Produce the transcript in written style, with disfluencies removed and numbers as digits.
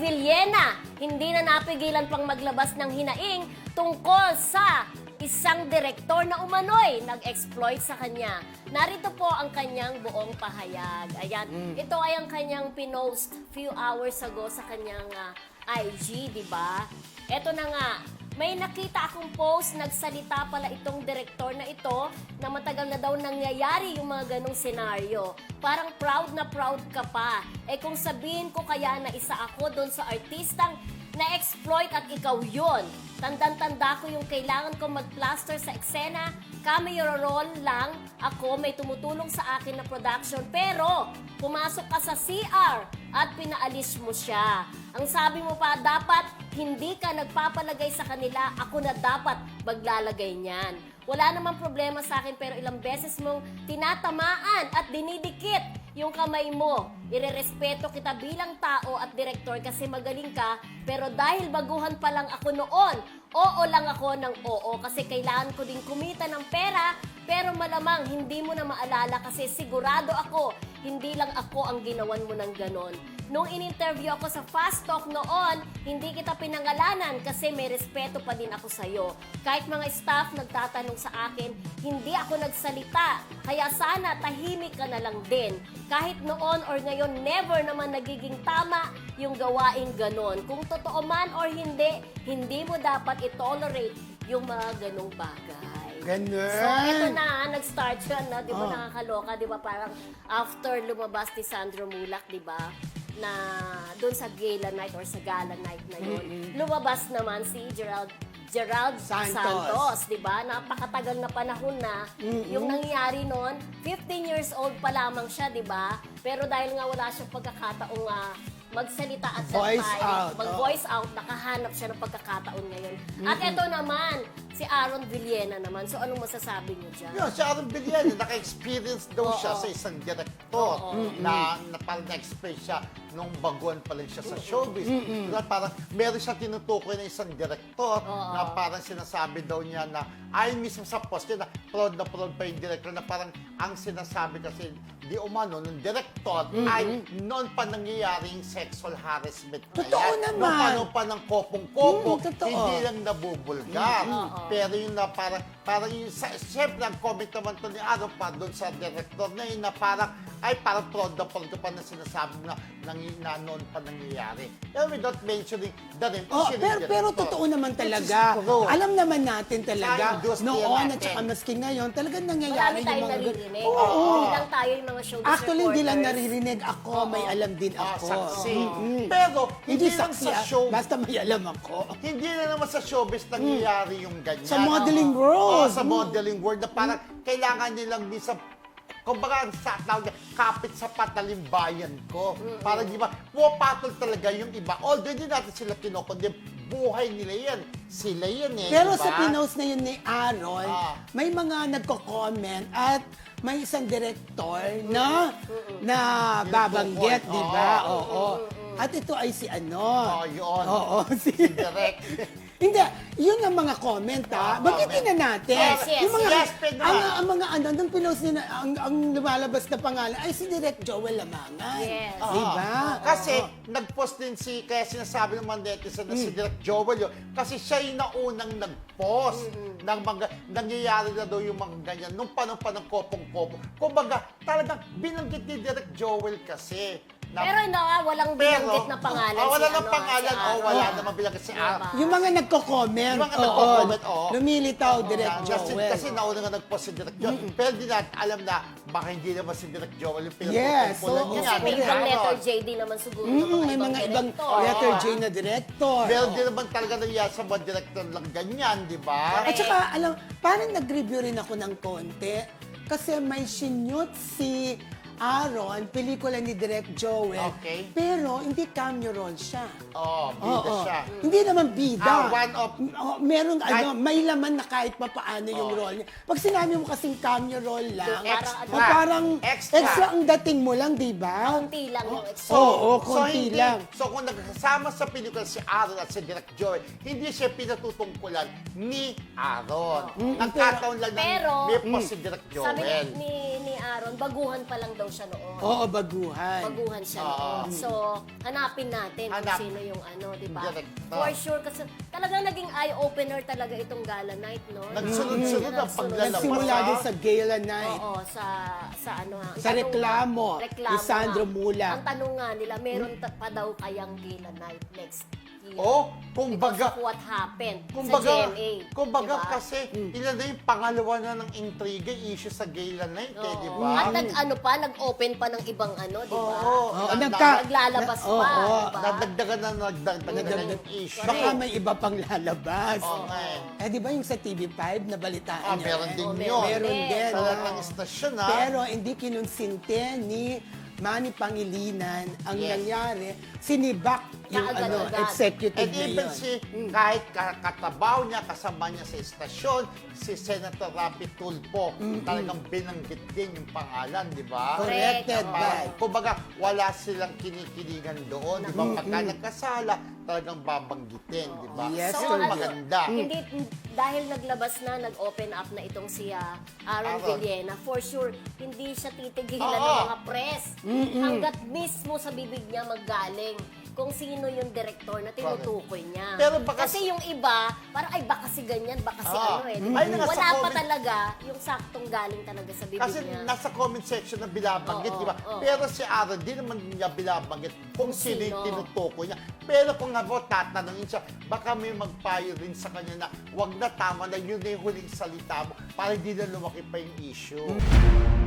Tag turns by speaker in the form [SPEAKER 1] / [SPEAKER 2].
[SPEAKER 1] Villena, hindi na napigilan pang maglabas ng hinaing tungkol sa isang direktor na umano'y nag-exploit sa kanya. Narito po ang kanyang buong pahayag. Ayan, ito ay ang kanyang pinost few hours ago sa kanyang IG, di ba? Ito na nga, may nakita akong post, nagsalita pala itong direktor na ito na matagal na daw nangyayari yung mga ganong senaryo. Parang proud na proud ka pa. Eh kung sabihin ko kaya na isa ako doon sa artistang na-exploit at ikaw yun. Tandang-tanda ko yung kailangan ko mag-plaster sa eksena, cameo roll lang, ako may tumutulong sa akin na production, pero pumasok ka sa CR at pinaalis mo siya. Ang sabi mo pa, dapat hindi ka nagpapalagay sa kanila, ako na dapat maglalagay niyan. Wala namang problema sa akin pero ilang beses mong tinatamaan at dinidikit yung kamay mo. Irerespeto kita bilang tao at direktor kasi magaling ka, pero dahil baguhan pa lang ako noon, oo lang ako ng oo kasi kailangan ko din kumita ng pera, pero malamang hindi mo na maalala kasi sigurado ako, hindi lang ako ang ginawan mo ng ganon. Nung in-interview ako sa Fast Talk noon, hindi kita pinangalanan kasi may respeto pa din ako sa'yo. Kahit mga staff nagtatanong sa akin, hindi ako nagsalita. Kaya sana tahimik ka na lang din. Kahit noon or ngayon, never naman nagiging tama yung gawaing ganon. Kung totoo man or hindi, hindi mo dapat i-tolerate yung mga ganong bagay.
[SPEAKER 2] Ganun.
[SPEAKER 1] So, ito na, nag-start siya, no? Di ba nakakaloka? Di ba parang after lumabas ni Sandro Mulak, di ba? Na doon sa gala night or sa gala night na yun, lumabas naman si Gerald Santos, di ba? Napakatagal na panahon na. Yung nangyari noon, 15 years old pa lamang siya, di ba? Pero dahil nga wala siyang pagkakataong magsalita at mag-voice out, nakahanap siya ng pagkakataon ngayon. At ito naman, si Aaron Villena naman. So, anong masasabi niyo dyan?
[SPEAKER 3] Yun, si Aaron Villena, naka-experience daw siya sa isang direktor na parang na-explain siya nung baguhan pa lang siya sa showbiz. Na parang meron siya tinutukoy na isang direktor na parang sinasabi daw niya na ay mismo sa post niya na proud pa yung director na parang ang sinasabi kasi di umano nung director ay noon pa nangyayaring sexual harassment na
[SPEAKER 2] Totoo
[SPEAKER 3] yan.
[SPEAKER 2] naman.
[SPEAKER 3] Noong panahon pa ng kopong-kopo,
[SPEAKER 2] totoo.
[SPEAKER 3] hindi lang nabubulgar. Pero yung na parang yung, siyempre ang comment naman to ni Aaron pa doon sa director na yun na parang proud ka pa na sinasabi na noon pa nangyayari. And without mentioning the name,
[SPEAKER 2] pero totoo naman talaga. Alam naman natin talaga,
[SPEAKER 3] Sa industriya
[SPEAKER 2] noon at
[SPEAKER 3] natin.
[SPEAKER 2] saka maski ngayon, talagang
[SPEAKER 1] Marami
[SPEAKER 2] nangyayari yung
[SPEAKER 1] tayong
[SPEAKER 2] mga...
[SPEAKER 1] naririnig.
[SPEAKER 2] Oo.
[SPEAKER 1] Hindi lang tayo yung mga showbiz
[SPEAKER 2] Actually, hindi lang
[SPEAKER 1] reporters.
[SPEAKER 2] naririnig ako, may alam din ako.
[SPEAKER 3] Saksi. Pero hindi lang
[SPEAKER 2] saksi,
[SPEAKER 3] sa show,
[SPEAKER 2] basta may alam ako.
[SPEAKER 3] hindi na naman sa showbiz nangyayari yung ganyan.
[SPEAKER 2] Sa modeling world.
[SPEAKER 3] Sa modeling world na parang kailangan nilang minsan kumbaga sa tawag niya, kapit sa patalimbayan ko. Parang di ba, pumapatol talaga yung iba. Although hindi natin sila kinokondem, buhay nila yan. Sila yan eh.
[SPEAKER 2] Pero
[SPEAKER 3] diba?
[SPEAKER 2] sa pinost na yun ni Aaron, may mga nagko-comment at may isang director na babanggit, di ba? Oo. At ito ay si ano.
[SPEAKER 3] Yun.
[SPEAKER 2] Oo,
[SPEAKER 3] Si Direk.
[SPEAKER 2] Hindi, yun ang mga comment, ha? Bagitin na natin.
[SPEAKER 1] Yes,
[SPEAKER 2] Yung mga,
[SPEAKER 3] yes, pwede na.
[SPEAKER 2] ang mga ano, nung pinost nila, ang lumalabas na pangalan ay si Direk Joel Lamangan.
[SPEAKER 1] Yes.
[SPEAKER 2] Diba?
[SPEAKER 3] Kasi nag-post din kaya sinasabi ng mga netizen na si Direk Joel yun, kasi siya yung naunang nag-post ng mga, nangyayari na daw yung mga ganyan, nung panahon pa ng kopong-kopong. Kumbaga, talagang binanggit ni Direk Joel kasi.
[SPEAKER 1] Pero walang binanggit na pangalan
[SPEAKER 3] wala
[SPEAKER 1] si
[SPEAKER 3] nang pangalan,
[SPEAKER 1] si Aaron.
[SPEAKER 3] wala namang binanggit si Aaron.
[SPEAKER 2] Yung mga nagko-comment,
[SPEAKER 3] Yung mga nagko-comment,
[SPEAKER 2] lumilitaw, Direk
[SPEAKER 3] Kasi,
[SPEAKER 2] Joel.
[SPEAKER 3] kasi nauna nga nag-post si Direk Joel. Pero di natin alam na baka hindi naman si Direk Joel yung
[SPEAKER 2] Yes,
[SPEAKER 3] pinatutungkulan
[SPEAKER 2] oo.
[SPEAKER 3] niya.
[SPEAKER 1] Kasi may
[SPEAKER 3] Ni
[SPEAKER 1] ibang
[SPEAKER 3] Aaron.
[SPEAKER 1] letter J din naman siguro.
[SPEAKER 2] May mga ibang letter J na director.
[SPEAKER 3] Pero di naman talaga nangyayari sa mga director lang ganyan, di ba?
[SPEAKER 2] At saka, parang nag-review rin ako ng konti kasi may sinyot si Aaron, pelikula ni Direk Joel.
[SPEAKER 3] Okay.
[SPEAKER 2] Pero hindi cameo role siya.
[SPEAKER 3] Bida siya.
[SPEAKER 2] Hindi naman bida.
[SPEAKER 3] One of...
[SPEAKER 2] Merong may laman na kahit pa paano yung role niya. Pag sinabi mo kasing cameo role lang, parang extra ang dating mo lang, di ba?
[SPEAKER 1] Konti lang yung extra.
[SPEAKER 2] Oo, konti lang.
[SPEAKER 3] So kung nagsasama sa pelikula si Aaron at si Direk Joel, hindi siya pinatutungkulan ni Aaron. Nagkataon lang na
[SPEAKER 1] Pero,
[SPEAKER 3] may post si Direk
[SPEAKER 1] Sabi
[SPEAKER 3] Joel.
[SPEAKER 1] ni Aaron, baguhan pa lang daw daw siya noon.
[SPEAKER 2] Oo, baguhan.
[SPEAKER 1] Baguhan siya noon. So, hanapin natin kung
[SPEAKER 3] Hanap.
[SPEAKER 1] sino yung di ba?
[SPEAKER 3] Director.
[SPEAKER 1] For sure, kasi talagang naging eye-opener talaga itong gala night, no?
[SPEAKER 3] Nagsunod-sunod ang paglalabas.
[SPEAKER 2] Nagsimula din sa gala night.
[SPEAKER 1] Oo, sa ano nga. ang
[SPEAKER 2] Sa
[SPEAKER 1] tanong
[SPEAKER 2] reklamo, ni Sandro
[SPEAKER 1] nga.
[SPEAKER 2] Mula.
[SPEAKER 1] Ang tanong nga nila, meron pa daw kayang gala night next year.
[SPEAKER 3] Oh, kung
[SPEAKER 1] Because
[SPEAKER 3] baga,
[SPEAKER 1] of what happened
[SPEAKER 3] kung
[SPEAKER 1] sa
[SPEAKER 3] baga,
[SPEAKER 1] GMA.
[SPEAKER 3] kung baga
[SPEAKER 1] diba?
[SPEAKER 3] kasi, ilan na yung pangalawa na ng intriga, issue sa gala night, di ba?
[SPEAKER 1] At nag-open pa ng ibang di ba?
[SPEAKER 3] Oo,
[SPEAKER 1] Naglalabas pa,
[SPEAKER 2] oo,
[SPEAKER 1] diba?
[SPEAKER 3] nadagdagan na yung issue.
[SPEAKER 2] Baka may iba pang lalabas.
[SPEAKER 3] Oo nga eh.
[SPEAKER 2] Di ba yung sa TV5, nabalitaan niyo?
[SPEAKER 3] Meron din
[SPEAKER 1] Oo,
[SPEAKER 3] yun.
[SPEAKER 2] Meron din.
[SPEAKER 3] Sa
[SPEAKER 2] oo.
[SPEAKER 3] lahat ng istasyon, ha?
[SPEAKER 2] Pero hindi kinunsinte ni Manny Pangilinan ang
[SPEAKER 3] Yes.
[SPEAKER 2] nangyari. Sinibak yung
[SPEAKER 1] Kaagad-agad.
[SPEAKER 2] executive
[SPEAKER 3] And
[SPEAKER 2] na
[SPEAKER 3] even
[SPEAKER 2] yun.
[SPEAKER 3] kahit katabaw niya, kasama niya sa istasyon, si Senator Rapi Tulfo, talagang binanggit din yung pangalan, di ba?
[SPEAKER 2] Corrected
[SPEAKER 1] Oo.
[SPEAKER 2] by.
[SPEAKER 3] Kumbaga, wala silang kinikiligan doon, di ba? Pagka nagkasala, talagang babanggitin, di ba?
[SPEAKER 2] Yes,
[SPEAKER 3] Yun
[SPEAKER 2] sir.
[SPEAKER 3] maganda.
[SPEAKER 1] Hindi, dahil naglabas na, nag-open up na itong si Aaron
[SPEAKER 3] Aaron.
[SPEAKER 1] Villena, for sure, hindi siya titigilan
[SPEAKER 3] Oo.
[SPEAKER 1] ng mga press. Hanggat mismo sa bibig niya maggaling kung sino yung director na tinutukoy niya.
[SPEAKER 3] Pero baka-
[SPEAKER 1] kasi yung iba, parang ay baka si ganyan, baka si
[SPEAKER 3] Oo.
[SPEAKER 1] di
[SPEAKER 3] Ay, nasa
[SPEAKER 1] Wala pa
[SPEAKER 3] comment-
[SPEAKER 1] talaga yung saktong galing talaga sa bibig
[SPEAKER 3] Kasi
[SPEAKER 1] niya.
[SPEAKER 3] nasa comment section na binabanggit,
[SPEAKER 1] Oo,
[SPEAKER 3] di ba?
[SPEAKER 1] oo.
[SPEAKER 3] Pero si Aaron, di naman niya binabanggit kung sino yung
[SPEAKER 1] sino.
[SPEAKER 3] tinutukoy niya. Pero kung nga po tatanungin siya, baka may magpayo rin sa kanya na wag na, tama na, yun na yung huling salita mo para hindi na lumaki pa yung issue.